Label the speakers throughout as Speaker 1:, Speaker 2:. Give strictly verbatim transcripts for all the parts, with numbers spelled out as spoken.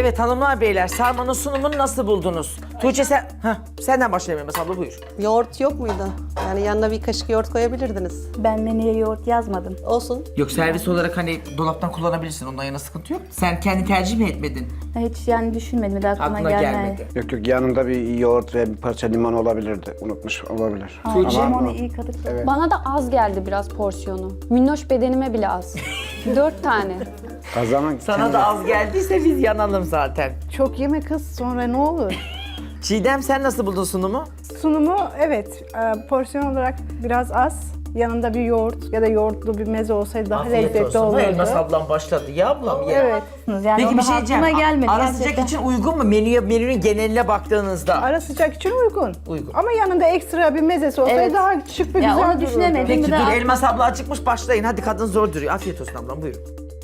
Speaker 1: Evet hanımlar beyler, sarmanın sunumunu nasıl buldunuz? Tuğçe sen, heh, senden başlayalım Elmas abla, buyur.
Speaker 2: Yoğurt yok muydu? Yani yanına bir kaşık yoğurt koyabilirdiniz.
Speaker 3: Ben menüye yoğurt yazmadım.
Speaker 2: Olsun.
Speaker 1: Yok, servis olarak hani dolaptan kullanabilirsin, ondan yana sıkıntı yok. Sen kendi tercih mi etmedin?
Speaker 3: Hiç yani düşünmedim. Bir de aklıma,
Speaker 1: Aklına
Speaker 3: gelmedi.
Speaker 1: gelmedi.
Speaker 4: Yok yok, yanında bir yoğurt ve bir parça limon olabilirdi. Unutmuş olabilir.
Speaker 3: Aa,
Speaker 1: Tuğçe.
Speaker 3: limonu iyi kadık.
Speaker 4: Evet.
Speaker 5: Bana da az geldi biraz porsiyonu. Minnoş bedenime bile az. Dört tane.
Speaker 4: Kazanmak
Speaker 1: Sana da az geldiyse biz yanalım zaten.
Speaker 6: Çok yeme kız, sonra ne olur?
Speaker 1: Çiğdem sen nasıl buldun sunumu?
Speaker 6: Sunumu evet, e, porsiyon olarak biraz az. Yanında bir yoğurt ya da yoğurtlu bir meze olsaydı daha
Speaker 1: Afiyet
Speaker 6: lezzetli
Speaker 1: olsun.
Speaker 6: olurdu.
Speaker 1: Elmas ablam başladı. Ya ablam ya.
Speaker 6: Evet.
Speaker 3: Yani
Speaker 1: Peki
Speaker 3: onu
Speaker 1: bir şey diyeceğim.
Speaker 3: aklıma gelmedi.
Speaker 1: Ara
Speaker 3: gerçekten.
Speaker 1: sıcak için uygun mu? Menüye, menünün geneline baktığınızda.
Speaker 6: Ara sıcak için uygun.
Speaker 1: Uygun.
Speaker 6: Ama yanında ekstra bir mezesi olsaydı
Speaker 3: Evet.
Speaker 6: daha şık ve
Speaker 3: Ya
Speaker 6: güzel
Speaker 3: onu
Speaker 6: dururdu.
Speaker 3: düşünemedim.
Speaker 1: Peki
Speaker 3: Bir de-
Speaker 1: dur, Elmas abla acıkmış, başlayın. Hadi, kadın zor duruyor. Afiyet olsun ablam, buyurun.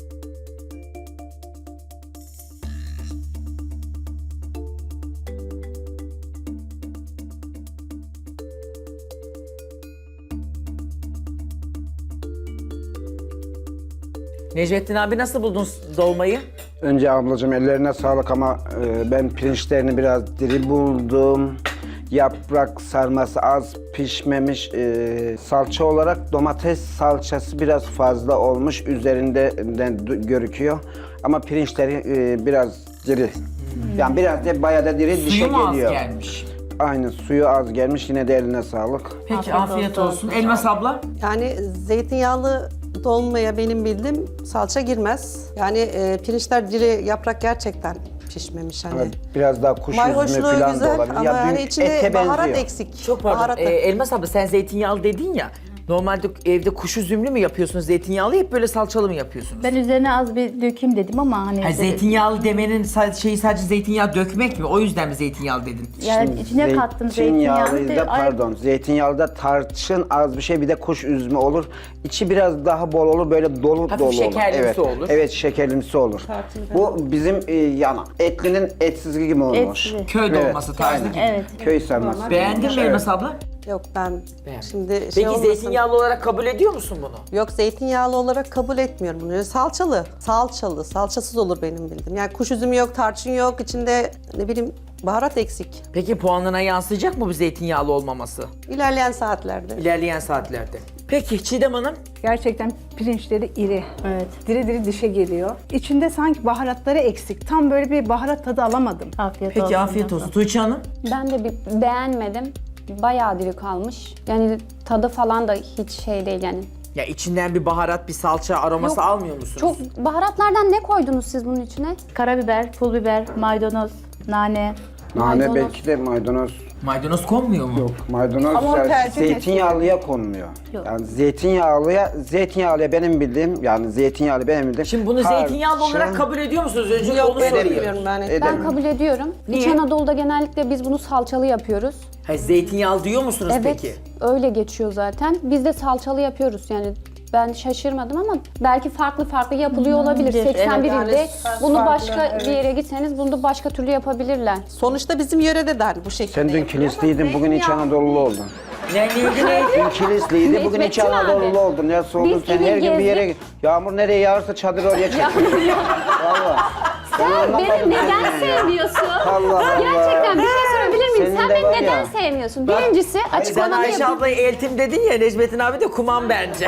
Speaker 1: Necmettin abi nasıl buldun dolmayı?
Speaker 4: Önce ablacığım ellerine sağlık ama e, ben pirinçlerini biraz diri buldum. Yaprak sarması az pişmemiş. E, salça olarak domates salçası biraz fazla olmuş. Üzerinden görüküyor. Ama pirinçleri e, biraz diri. Yani biraz da bayağı da diri dişe
Speaker 1: Suyu mu az
Speaker 4: geliyor.
Speaker 1: gelmiş?
Speaker 4: Aynen, suyu az gelmiş. Yine de eline sağlık.
Speaker 1: Peki afiyet,
Speaker 3: Afiyet
Speaker 1: olsun.
Speaker 3: olsun.
Speaker 1: Elmas abla?
Speaker 2: Yani zeytinyağlı dolmaya benim bildiğim salça girmez. Yani e, pirinçler diri, yaprak gerçekten pişmemiş hani.
Speaker 4: Evet, biraz daha kuş üzümü
Speaker 2: Mayhoşluğu
Speaker 4: falan da
Speaker 2: güzel
Speaker 4: olabilir.
Speaker 2: ama
Speaker 4: Ya
Speaker 2: yani
Speaker 4: dün
Speaker 2: içinde
Speaker 4: ete
Speaker 2: baharat
Speaker 4: benziyor.
Speaker 2: eksik.
Speaker 1: Çok pardon.
Speaker 2: Baharat
Speaker 1: Ee, Elmas abla sen zeytinyağlı dedin ya. Normalde evde kuş üzümlü mü yapıyorsunuz zeytinyağlı, hep böyle salçalı mı yapıyorsunuz?
Speaker 3: Ben üzerine az bir dökeyim dedim ama hani...
Speaker 1: Ha, zeytinyağlı demenin sa- şeyi sadece zeytinyağı dökmek mi? O yüzden mi zeytinyağlı dedin?
Speaker 3: Yani içine kattım zeytinyağını.
Speaker 4: Zeytinyağlı da
Speaker 3: Ay-
Speaker 4: pardon. Zeytinyağlı da tarçın az bir şey, bir de kuş üzümü olur. İçi biraz daha bol olur, böyle dolu
Speaker 1: Hafif
Speaker 4: dolu olur.
Speaker 1: şekerlimsi
Speaker 4: Evet.
Speaker 1: olur.
Speaker 4: Evet, şekerlimsi olur. Bu bizim e, yana. Etlinin etsizliği gibi olmuş.
Speaker 3: Etli.
Speaker 1: Köy
Speaker 4: Evet,
Speaker 1: dolması tarzı
Speaker 4: aynen.
Speaker 1: gibi.
Speaker 3: Evet.
Speaker 4: Köy sarması.
Speaker 1: Beğendin mi
Speaker 4: Evet.
Speaker 1: Elmas abla?
Speaker 2: Yok ben
Speaker 1: Beğendim.
Speaker 2: şimdi şey
Speaker 1: Peki
Speaker 2: olmasın.
Speaker 1: zeytinyağlı olarak kabul ediyor musun bunu?
Speaker 2: Yok, zeytinyağlı olarak kabul etmiyorum bunu. Salçalı, salçalı, salçasız olur benim bildiğim. Yani kuş üzümü yok, tarçın yok, içinde ne bileyim baharat eksik.
Speaker 1: Peki puanına yansıyacak mı bu zeytinyağlı olmaması?
Speaker 2: İlerleyen saatlerde.
Speaker 1: İlerleyen saatlerde. Peki Çiğdem Hanım?
Speaker 6: Gerçekten pirinçleri iri.
Speaker 3: Evet.
Speaker 6: Diri diri dişe geliyor. İçinde sanki baharatları eksik. Tam böyle bir baharat tadı alamadım.
Speaker 3: Afiyet olsun.
Speaker 1: Peki afiyet olsun. Tuğçe Hanım?
Speaker 5: Ben de bir beğenmedim. Bayağı diri kalmış. Yani tadı falan da hiç şey değil yani.
Speaker 1: Ya içinden bir baharat, bir salça aroması
Speaker 5: Yok,
Speaker 1: almıyor musunuz?
Speaker 5: Çok baharatlardan ne koydunuz siz bunun içine?
Speaker 3: Karabiber, pul biber, maydanoz, nane.
Speaker 4: Nane
Speaker 5: Maydanoz.
Speaker 4: belki de maydanoz.
Speaker 1: Maydanoz konmuyor mu?
Speaker 4: Yok, maydanoz
Speaker 6: Ama o
Speaker 4: yani
Speaker 6: tercih
Speaker 4: zeytinyağlıya konmuyor.
Speaker 3: Yok.
Speaker 4: Yani zeytinyağlıya, zeytinyağlıya benim bildiğim, yani zeytinyağlı benim bildiğim.
Speaker 1: Şimdi bunu
Speaker 4: tarçın-
Speaker 1: zeytinyağlı olarak kabul ediyor musunuz? Önce
Speaker 2: Yok,
Speaker 1: onu
Speaker 2: ben
Speaker 1: sorayım.
Speaker 2: etmiyorum ben. et-
Speaker 4: Edemem.
Speaker 5: Ben kabul ediyorum.
Speaker 1: Niye?
Speaker 5: İç Anadolu'da genellikle biz bunu salçalı yapıyoruz.
Speaker 1: Ha, zeytinyağlı diyor musunuz
Speaker 5: Evet,
Speaker 1: peki?
Speaker 5: öyle geçiyor zaten. Biz de salçalı yapıyoruz yani. Ben şaşırmadım ama belki farklı farklı yapılıyor olabilir.
Speaker 3: evet,
Speaker 5: seksen bir
Speaker 2: yani
Speaker 5: ilde bunu
Speaker 6: farklı,
Speaker 5: başka
Speaker 6: evet.
Speaker 5: bir yere gitseniz bunu da başka türlü yapabilirler.
Speaker 2: Sonuçta bizim yörede de hani bu şekilde
Speaker 4: Sen dün
Speaker 2: yapılıyor ama
Speaker 4: kilisliydin, bugün İç
Speaker 2: zeytinyağlı
Speaker 4: Anadolu'lu
Speaker 2: değil.
Speaker 4: oldun.
Speaker 1: Ne neydi neydi?
Speaker 4: Dün kilisliydi, bugün İç
Speaker 5: Necmettin abi.
Speaker 4: Anadolu'lu oldun. Ya oldun
Speaker 5: Biz
Speaker 4: sen
Speaker 5: gibi
Speaker 4: her gün bir yere
Speaker 5: gezdik.
Speaker 4: git. Yağmur nereye yağarsa çadır oraya çek. Valla.
Speaker 5: Sen beni neden sevmiyorsun?
Speaker 4: Allah Allah.
Speaker 5: Gerçekten bir şey sorabilir miyim?
Speaker 4: Senin
Speaker 5: Sen
Speaker 4: de
Speaker 5: beni
Speaker 4: var
Speaker 5: neden
Speaker 4: ya.
Speaker 5: sevmiyorsun? Birincisi
Speaker 1: Sen
Speaker 5: açıklamamı
Speaker 1: Ayşe
Speaker 5: yapayım.
Speaker 1: ablayı eltim dedin ya, Necmettin abi de kumam bence.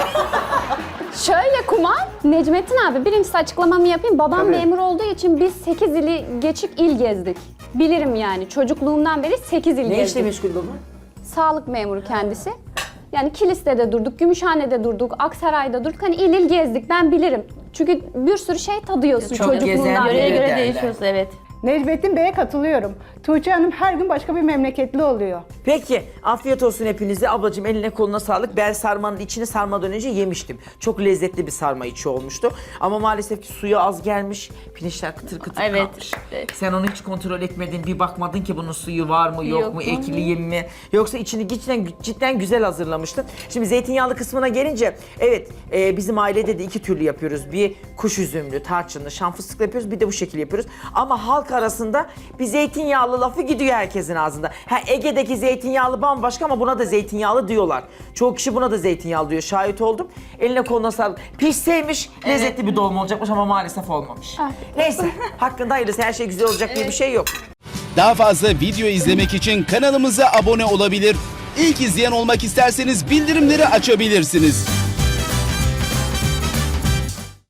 Speaker 5: Şöyle Kuman, Necmettin abi birincisi açıklamamı yapayım. Babam
Speaker 4: Tabii.
Speaker 5: memur olduğu için biz sekiz ili geçip il gezdik. Bilirim yani çocukluğumdan beri sekiz il
Speaker 1: Ne işle
Speaker 5: gezdik.
Speaker 1: meşgul baba?
Speaker 5: Sağlık memuru kendisi. Yani Kilis'te de durduk, Gümüşhane'de durduk, Aksaray'da durduk. Hani il il gezdik, ben bilirim. Çünkü bir sürü şey tadıyorsun
Speaker 1: Çok gezen
Speaker 5: çocukluğundan
Speaker 1: biri.
Speaker 3: Yöreye
Speaker 5: beri.
Speaker 3: göre
Speaker 1: derler.
Speaker 3: değişiyoruz, evet.
Speaker 6: Necmettin Bey'e katılıyorum. Tuğçe Hanım her gün başka bir memleketli oluyor.
Speaker 1: Peki, afiyet olsun hepinize. Ablacığım eline koluna sağlık. Ben sarmanın içini sarmadan önce yemiştim. Çok lezzetli bir sarma içi olmuştu. Ama maalesef ki suyu az gelmiş. Pirinçler kıtır kıtır
Speaker 3: Evet,
Speaker 1: kalmış.
Speaker 3: evet.
Speaker 1: Sen onu hiç kontrol etmedin. Bir bakmadın ki bunun suyu var mı yok,
Speaker 3: Yok
Speaker 1: mu,
Speaker 3: mu?
Speaker 1: ekli mi? Yoksa içini cidden, cidden güzel hazırlamıştın. Şimdi zeytinyağlı kısmına gelince, evet e, bizim ailede de iki türlü yapıyoruz. Bir kuş üzümlü, tarçınlı, şan fıstıklı yapıyoruz. Bir de bu şekilde yapıyoruz. Ama halk halk arasında bir zeytinyağlı lafı gidiyor herkesin ağzında. Ha, Ege'deki zeytinyağlı bambaşka ama buna da zeytinyağlı diyorlar. Çoğu kişi buna da zeytinyağlı diyor. Şahit oldum. Eline koluna sağlık. Pişseymiş lezzetli bir dolma olacakmış ama maalesef olmamış. Neyse hakkında hayırlısı, her şey güzel olacak diye bir şey yok.
Speaker 7: Daha fazla video izlemek için kanalımıza abone olabilir. İlk izleyen olmak isterseniz bildirimleri açabilirsiniz.